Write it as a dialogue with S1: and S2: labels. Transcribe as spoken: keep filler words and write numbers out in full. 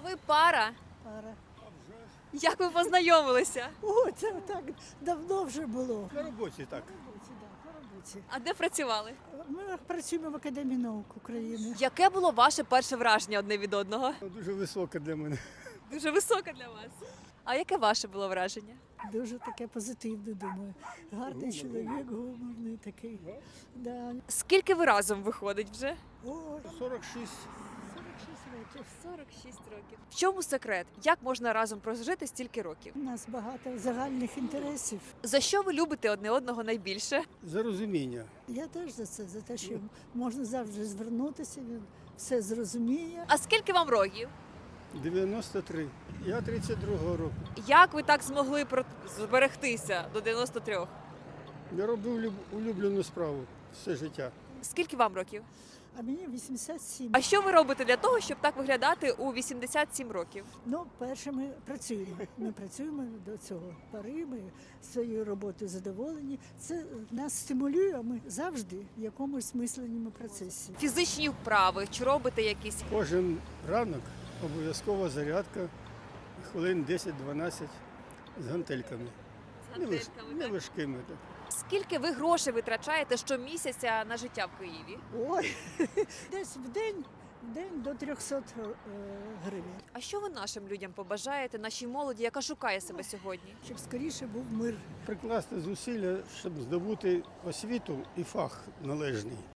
S1: ви пара?
S2: Пара.
S1: Як ви познайомилися?
S2: О, це так давно вже було.
S3: На роботі так.
S2: По роботі, да, по роботі.
S1: А де працювали?
S2: Ми працюємо в Академії наук України.
S1: Яке було ваше перше враження одне від одного?
S3: Дуже високе для мене.
S1: Дуже високе для вас. А яке ваше було враження?
S2: Дуже таке позитивне, думаю. Гарний чоловік, гуморний такий. Да.
S1: Скільки ви разом виходить вже?
S2: О,
S3: сорок шість.
S2: сорок шість років.
S1: сорок шість років. В чому секрет? Як можна разом прожити стільки років?
S2: У нас багато загальних інтересів.
S1: За що ви любите одне одного найбільше?
S3: За розуміння.
S2: Я теж за це, за те, що можна завжди звернутися, він все зрозуміє.
S1: А скільки вам років?
S3: дев'яносто три. Я тридцять другого року.
S1: Як ви так змогли про- зберегтися до дев'яносто трьох?
S3: Я робив люб- улюблену справу все життя.
S1: Скільки вам років?
S2: А мені вісімдесят сім.
S1: А що ви робите для того, щоб так виглядати у вісімдесят сім років?
S2: Ну, перше, ми працюємо. Ми працюємо до цього пари, ми своєю роботою задоволені. Це нас стимулює, а ми завжди в якомусь мисленному процесі.
S1: Фізичні вправи, чи робите якісь?
S3: Кожен ранок обов'язкова зарядка, хвилин десять-дванадцять з гантельками. Неваж- Неважкими. Так.
S1: Скільки ви грошей витрачаєте щомісяця на життя в Києві?
S2: Ой, десь в день, в день до трьохсот е, гривень,
S1: А що ви нашим людям побажаєте, нашій молоді, яка шукає себе сьогодні?
S2: щоб скоріше був мир.
S3: Прикласти зусилля, щоб здобути освіту і фах належний.